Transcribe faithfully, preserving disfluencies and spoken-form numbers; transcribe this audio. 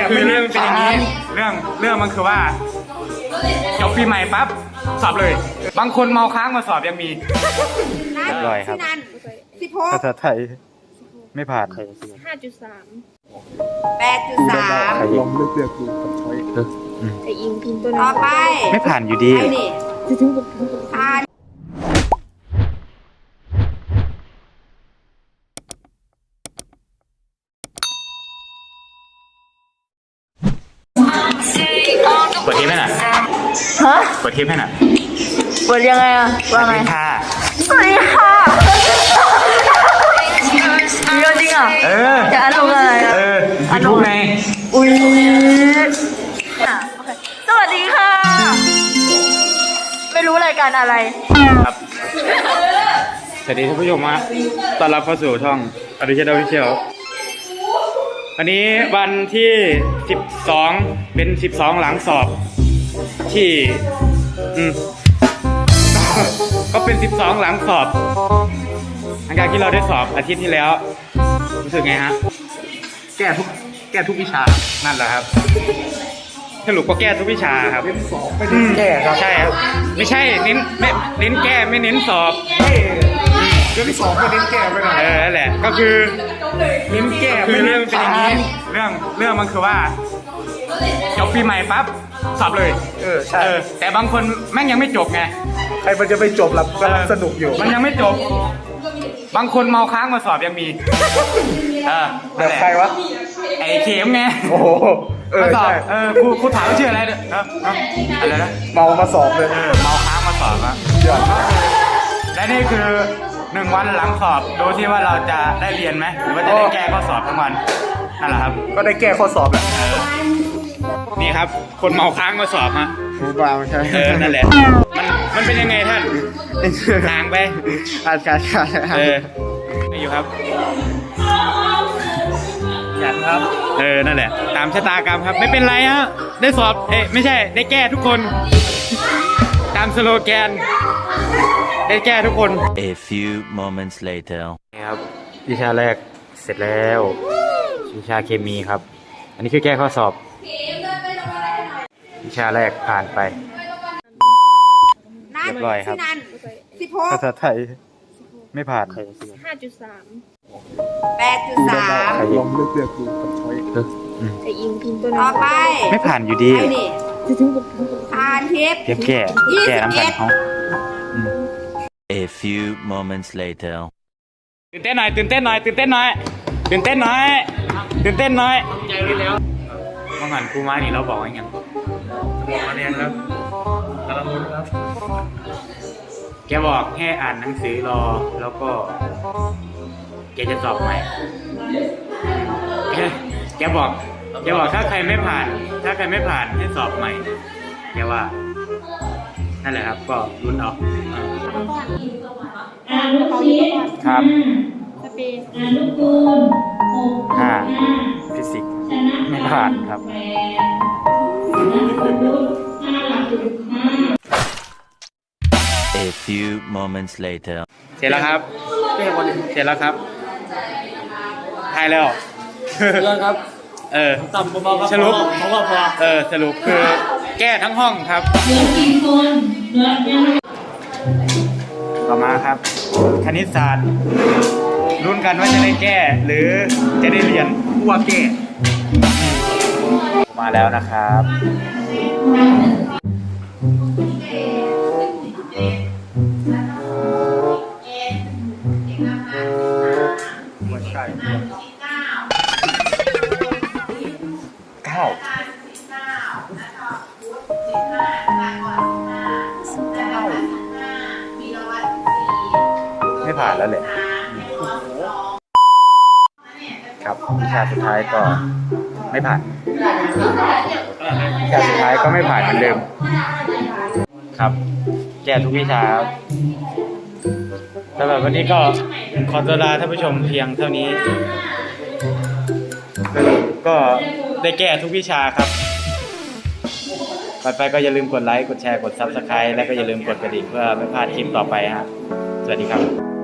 คือเรื่องเป็นอย่างนี้เรื่องเรื่องมันคือว่าจบปีใหม่ปั๊บสอบเลยบางคนเมาค้างมาสอบยังมีเรียบร้อยครับสิบหกภาษาไทยไม่ผ่านห้าจุดสามแปดจุดสามลองเลือกเลือกดูกับช้อยไออิงพิมพ์ตัวนี้ต่อไปไม่ผ่านอยู่ดีไอ้นี่ผ่านเปิดเทปให้หน่อยฮะเปิดเทปให้หน่อยเปิดยังไงอะว่าไงค่ะสวัสดีค่ะเยอะจริงอ่ะเออจะอันลงอะไรอ่ะเออยูทูบไงอุ้ยอ่ะโอเคสวัสดีค่ะ ไม่รู้รายการอะไรครับสวัสดีท่านผู้ชมฮะต้อนรับเข้าสู่ช่องอดิเชดอฟิเชียลวันนี้วันที่สิบสองเป็นสิบสองหลังสอบที่อืมก็เป็นสิบสองหลังสอบหลังจากที่เราได้สอบอาทิตย์ที่แล้วรู้สึกไงฮะแก้ทุกแก้ทุกวิชานั่นแหละครับสรุปก็แก้ทุกวิชาครับเน้นสอบไม่เน้นแก้ครับใช่ครับไม่ใช่เน้นไม่เน้นแก้ไม่เน้นสอบเรื่องที่สอบไม่เน้นแก้ไปหน่อยเออนั่นแหละก็คือเน้นแก้คือเรื่องเป็นอย่างนี้เรื่องเรื่องมันคือว่าจบปีใหม่ปั๊บสอบเลยเออใช่แต่บางคนแม่งยังไม่จบไงใครมันจะไปจบหลับกำลังสนุกอยู่มันยังไม่จบบางคนเมาค้างมาสอบยังมีเออแบบใครวะไอ้เข็มไงโอ้โหเออมาสอบใช่เออครูครูถามชื่ออะไรเนี่ยเอออะไรนะเมามาสอบเลยเออเมาค้างมาสอบอะเดี๋ยวและนี่คือหนึ่งวันหลังสอบดูที่ว่าเราจะได้เรียนไหมหรือว่าจะได้แก้ข้อสอบทั้งวันนั่นแหละครับก็ได้แก้ข้อสอบแหละนี่ครับคนเมาค้างมาสอบฮะครูบาใช่เออนั่นแหละมันมันเป็นยังไงท่านทางไปอาจารย์เออไม่อยู่ครับอยากครับเออ นั่นแหละ ตามชะตากรรมครับ ไม่เป็นไรฮะ ได้สอบ เอ๊ะไม่ใช่ ได้แก้ทุกคน ตามสโลแกน ได้แก้ทุกคน A few moments later นี่ครับ วิชาแรกเสร็จแล้ว วิชาเคมีครับ อันนี้คือแก้ข้อสอบ วิชาแรกผ่านไป เรียบร้อยครับสิบหกภาษาไทย ไม่ผ่านห้าจุดสามแปดจุดสามลองเลือกเลือกดูกับช้อยไออิงพิมพ์ตัวนี้ต่อไปไม่ผ่านอยู่ดีไอ้นี่ผ่านทิพย์เทียบแก้ แก้น้ำกันเขา A few moments later ตื่นเต้นหน่อยตื่นเต้นหน่อยตื่นเต้นหน่อยตื่นเต้นหน่อยตื่นเต้นหน่อยใจแล้วเมื่อหันครูมานี่เราบอกว่าไงบอกมาเนี่ยครับกำลังลุ้นครับแกบอกให้อ่านหนังสือรอแล้วก็แกจะสอบใหม่แกแกบอกแกบอกถ้าใครไม่ผ่าน ถ้าใครไม่ผ่านให้สอบใหม่แกว่านั่นแหละครับก็ลุ้นเอาครับห้าฟิสิกส์ไม่ผ่านครับ A few moments later เสร็จแล้วครับเสร็จแล้วครับทายแล้วเรื่องครับเออต่ำเบาๆครับสรุปเพราะว่าพอเออสรุปคือแก้ทั้งห้องครับต่อมาครับ คณิตศาสตร์รุ่นกันว่าจะได้แก้หรือจะได้เรียนว่าแก้มาแล้วนะครับไม่ใช่เก้าไม่ผ่านแล้วเลยครับวิชาสุดท้ายก็ไม่ผ่านวิชาสุดท้ายก็ไม่ผ่านเหมือนเดิมครับแก้ทุกวิชาครับสำหรับวันนี้ก็ขอตัวลาท่านผู้ชมเพียงเท่านี้ก็ได้แก้ทุกวิชาครับก่อนไปก็อย่าลืมกดไลค์กดแชร์กด ซับสไครบ์ และก็อย่าลืมกดกระดิ่งเพื่อไม่พลาดคลิปต่อไปฮะสวัสดีครับ